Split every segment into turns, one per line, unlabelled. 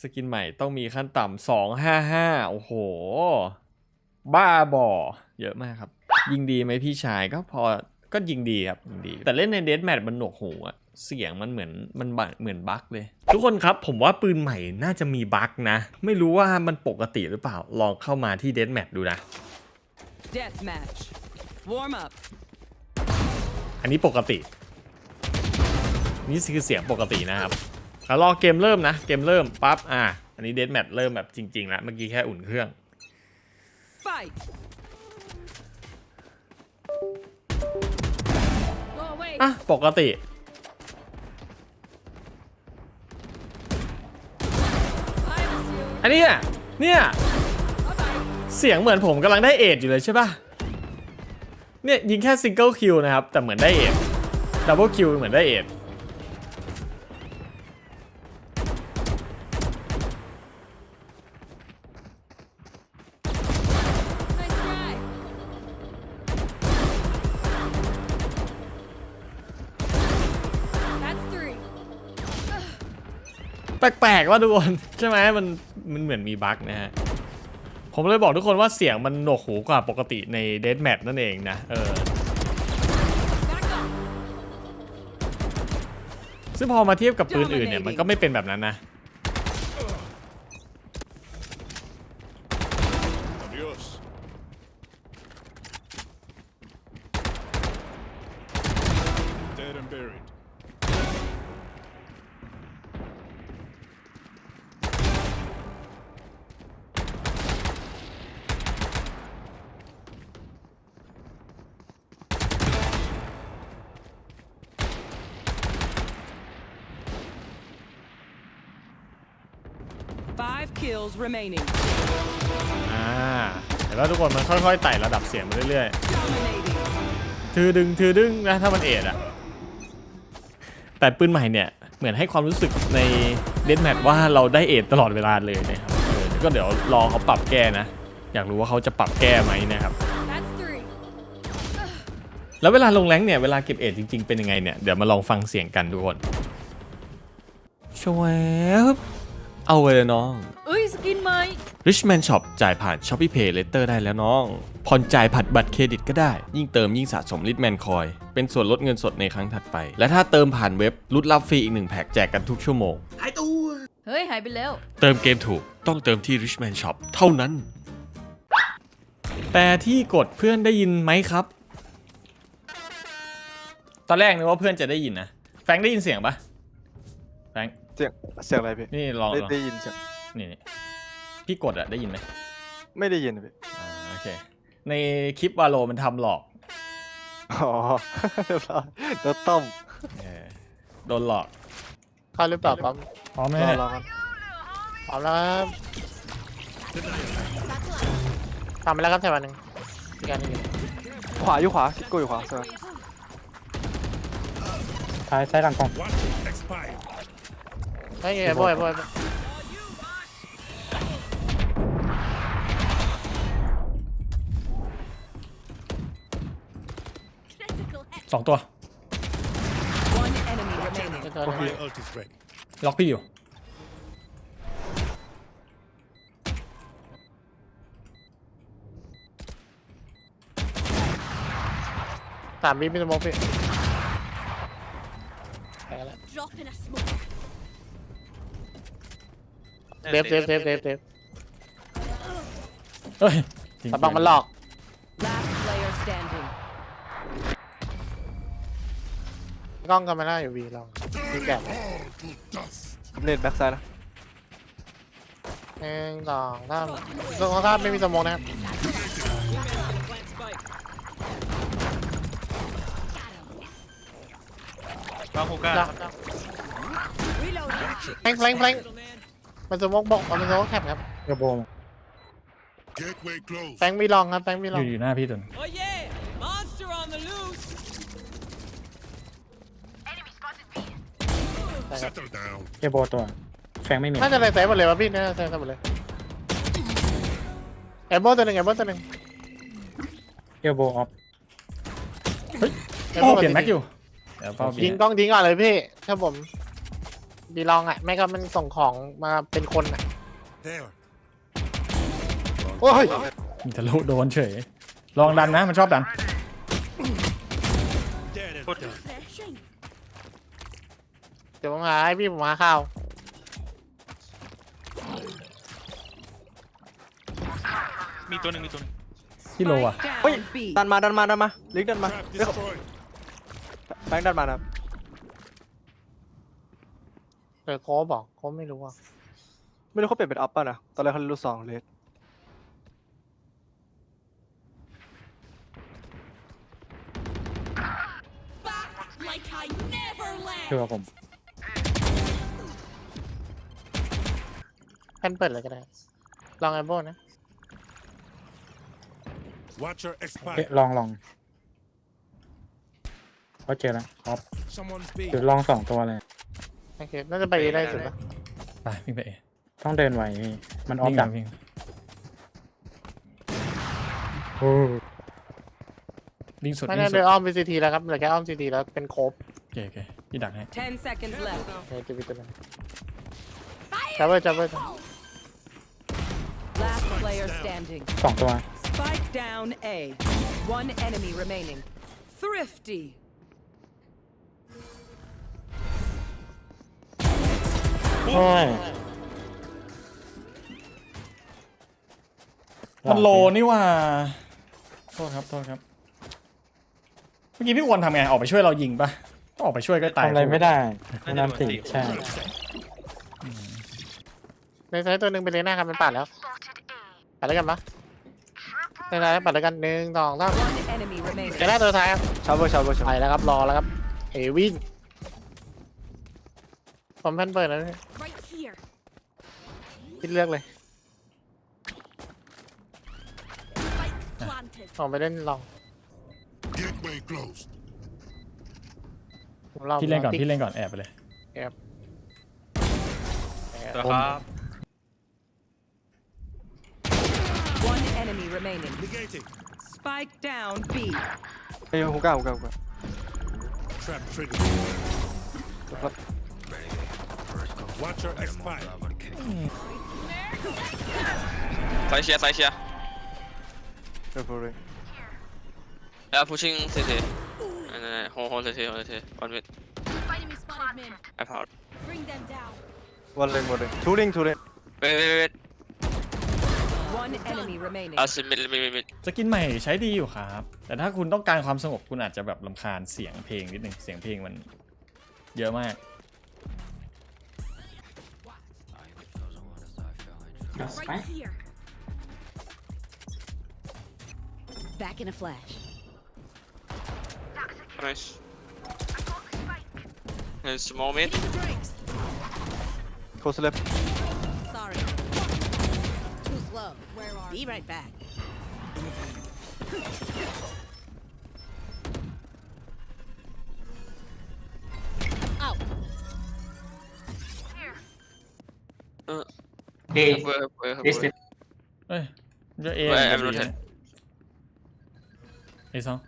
กินใหม่ต้องมีขั้นต่ำ255โอ้โหบ้าบอเยอะมากครับยิงดีไหมพี่ชายก็พอก็ยิงดีครับยิงดีแต่เล่นในเดธแมทมันหนวกหูอะเสียงมันเหมือนบั๊กเลยทุกคนครับผมว่าปืนใหม่น่าจะมีบั๊กนะไม่รู้ว่ามันปกติหรือเปล่าลองเข้ามาที่เดธแมทดูนะ
Deathmatch. Warm up.
อันนี้ปกตินี่คือเสียงปกตินะครับแล้วรอเกมเริ่มนะเกมเริ่มปั๊บอันนี้เดธแมทเริ่มแบบจริงๆแล้วเมื่อกี้แค่อุ่นเครื่อง
Fight. Go away.
ปกติ อันนี้เนี่ยเสียงเหมือนผมกำลังได้เอทอยู่เลยใช่ป่ะเนี่ยยิงแค่ซิงเกิลคิวนะครับแต่เหมือนได้เอทดับเบิลคิวเหมือนได้เอทแปลกๆว่าทุกคนใช่ไหมมันเหมือนมีบั๊กนะฮะผมเลยบอกทุกคนว่าเสียงมันหนวกหูกว่าปกติในเดธแมทนั่นเองนะซึ่งพอมาเทียบกับปืนอื่นเนี่ยมันก็ไม่เป็นแบบนั้นนะ
Dead and buried.
Five kills remaining.
เห็นว่าทุกคนมันค่อยๆไต่ระดับเสียงมาเรื่อย
Dominating.
ๆถือดึงนะถ้ามันเอทแต่ปืนใหม่เนี่ยเหมือนให้ความรู้สึกในเดธแมทว่าเราได้เอทตลอดเวลาเลยนะครับก็เดี๋ยวรอเขาปรับแก้นะอยากรู้ว่าเขาจะปรับแก้ไหมนะครับ
That's three.
แล้วเวลาลงแรงเนี่ยเวลาเก็บเอทจริงๆเป็นยังไงเนี่ยเดี๋ยวมาลองฟังเสียงกันทุกคนชวบเอาไปเลยน้อง
เอ้ยสกินไหม
Richman Shop จ่ายผ่าน Shopee Pay Later ได้แล้วน้องผ่อนจ่ายผัดบัตรเครดิตก็ได้ยิ่งเติมยิ่งสะสม Richman Coin เป็นส่วนลดเงินสดในครั้งถัดไปและถ้าเติมผ่านเว็บลุ้นรับฟรีอีก1แพ็กแจกกันทุกชั่วโมงหายตัว
เฮ้ยหายไปแล้ว
เติมเกมถูกต้องเติมที่ Richman Shop เท่านั้นแต่ที่กดเพื่อนได้ยินไหมครับตอนแรกนึกว่าเพื่อนจะได้ยินนะแฟงได้ยินเสียงปะแฟง
เสียงอะไรพี่
นี่ลอง
ได้ยินเสียง
นี่พี่กดได้ยินไหม
ไม่ได้ยินพี่
โอเคในคลิปวาโลมันทำหลอก
อ๋อโดนต้ม
โดนหลอก
เข้าหรือเปล่าปั๊ม
พร้อมไหม
รอกัน
พร้อมแล้วครับทำไปแล้วครับแถวนึงอีกอันนึง
ขวาอยู่ขวาซิโก้อยู่ขวาเสือ
ซ้ายหลังกล่อง
Expired.
ไม่ไงบ่อย
สองตัว
One enemy remaining.
My ult is ready.
ล็อกพี่อยู่
3 วิมีสโมกพี่ไปกันแล้วเดฟ
เฮ้ย
ตะบังมันหลอก
Last player standing.
กล้องกันมาหน้าอยู่วีลองวีแกะ
เล่นแบ็กไซด์นะ
1 2 3ตรงข้ามไม่มีสโมกนะครับ
มาฮูก้า
แฟงมันสโมกบอกมันสโมกแคปครับกระโบง
Gateway closed.
แฟงมีลองครับแฟงมีลอง
อยู่หน้าพี่ตุน
Oh yeah, monster on the loose.
Settle down.
เอโบตัวแฟงไม่มี
น่าจะใส่หมดเลยวะพี่น่าจะใส่หมดเลยแอมโบตัวหนึ่ง
เอโบออฟ
โอ้เปลี่ยนแม็กอยู่เดี๋ยวเฝ้า
ยิงกล้องทิ้งก่อนเลยพี่ถ้าผมบีลองอ่ะไม่ก็มันส่งของมาเป็นคนอ่ะ
There.
โอ้ย
มีทะลุโดนเฉย ลองดันนะมันชอบดัน
There and
Put-
done.
เดี๋ยวผมหาให้พี่ผมหาข้าว
มีตัวหนึ่งมีตัวหนึ่ง
ที่โลอ่ะ
Spike
เฮ้ย
down B.
ดันมาลิงก์ดันมา
Trap destroyed.
แบงค์ดันมานะครับ
เดี๋ยวโค้บอกโค้ไม่รู้อ่ะ
ไม่รู้เขาเปลี่ยนเป็นอัพป่ะนะตอนแรกเขาเล่นลูกซองเลส
Like I never left.
คือว่าผม
แพนเปิดเลยก็ได้ลองไอโบนะ
Watcher
เอ๊ะ
expired.
ลองเขาเจอแล้วออฟ
Someone's
คือ
B.
ลอง2 ตัวเลย
โอเคน่าจะไปได้สุดปะ
ไปวิ่งไปเอ
ต้องเดินไหวพี่มันออฟ
วิ่ง
ดัก
วิ่ง
โอ้
วิ่งสุด
ไม่
วิ่
ได้
งสุ
เดิ
ด
นอ้อม VCT แล้วครับเหลือแค่อ้อม CT แล้วเป็นโคบ
โอเคโอเคพี่ดักให้
10 seconds left.
เฮ้ยจะไปตัวนึงจับเบอร์
Last player standing.
2 ตัว
Spike down A. One enemy remaining. Thrifty.
โอ้ย
มันโลนี่ว่าโทษครับโทษครับ เมื่อกี้พี่อ้วนทำไงออกไปช่วยเรายิงปะต้องออกไปช่วยก็ตาย
ทำอะไรไม่ได้คุณน้ำตีใช่
ในซ้ายตัวหนึ่งไปเลยหน้าครับมันปัดแล้วปัดแล้วกันปะในซ้ายปัดแล้วกัน1 2 3
One enemy remaining.
เจอหน้าตัวท้ายครับ
ชาวเวอร์
ไปแล้วครับรอแล้วครับเอวิ่งผมแพนเปิดแล้ว
Right here.
พี่เลือกเลย
Planted.
ผมไปเล่นลอง
Gateway closed.
ผมลอง
พี่เล่นก่อน
ติ๊
พี่เล่นก่อนแอบไปเลย
ครับ
One enemy remaining.
Negating.
Spike down B.
เฮ้ยฮูก้า
Trap triggered. Watcher expired.
ซ้ายเชียร์ซ้ายเชียร์
เดี๋ยวพูดเลย
แล้ว pushing CT โฮCT one mid
Enemy spotted mid.
I power
Bring them down.
วันเล่นทูริง
wait
One enemy remaining.
mid
สกินใหม่ใช้ดีอยู่ครับ แต่ถ้าคุณต้องการความสงบคุณอาจจะแบบรำคาญเสียงเพลงนิดนึงเสียงเพลงมันเยอะมาก
Right here. Back in a flash.
nice and small mid
Drinks.
โคสเลฟ
Sorry. Too slow. Where are? Be right back. Out.
Careful.
เอ้ยเยอะเอ
Wait,
จะ
I'm
ดี
not
นะไอ้สอง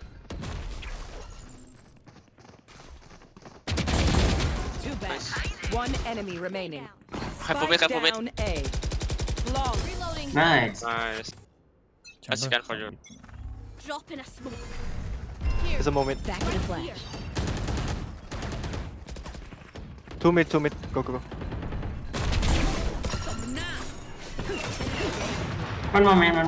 Too bad. One enemy remaining.
Careful mid, careful mid.
Down A. Long. Reloading.
Nice.
Nice I scan for you
Drop in a smoke.
is a moment
Back in a flash.
2 mid go
One more man.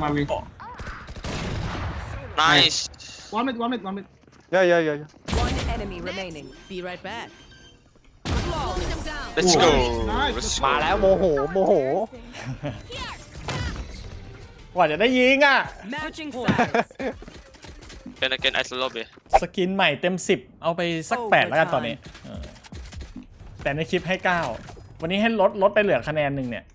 nice
One mid.
yeah
One enemy remaining. Be right back. Slowing them down.
let's go
Nice.
let's
มา
go
แล้วโมโห
กว่าจะได้ยิงอ่ะ
Matching sides.
again ice lobby
สกินใหม่เต็ม 10 เอาไปสัก 8 แล้วกันตอนนี้แต่ในคลิปให้ 9 วันนี้ให้ลดไปเหลือคะแนนหนึ่งเนี่ย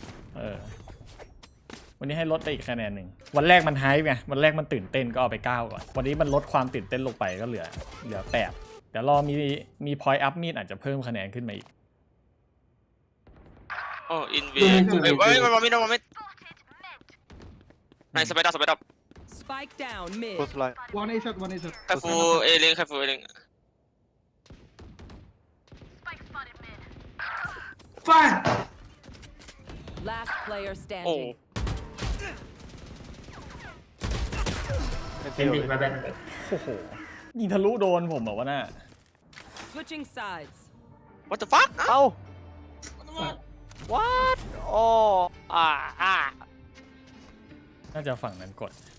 วันนี้ให้ลดไปอีกคะแนนหนึ่งวันแรกมันไฮป์ไงวันแรกมันตื่นเต้นก็เอาไป 9 ก่อนวันนี้มันลดความตื่นเต้นลงไปก็เหลือ 8 เดี๋ยวรอมี point up มีดอาจจะเพิ่มคะแนนขึ้นมาอีก
oh in V
Two mid.
wait one mid nice spread up
Spike down mid.
close line
One A shot.
careful A link careful A link
Fire.
Last player
โอ้
standing.
Ending, my bad.
โอ้โหยิงทะลุโดนผมเหรอวะน่ะ
Switching sides.
what the fuck
เอ้า what โอ้
น่าจะฝั่งนั้นกด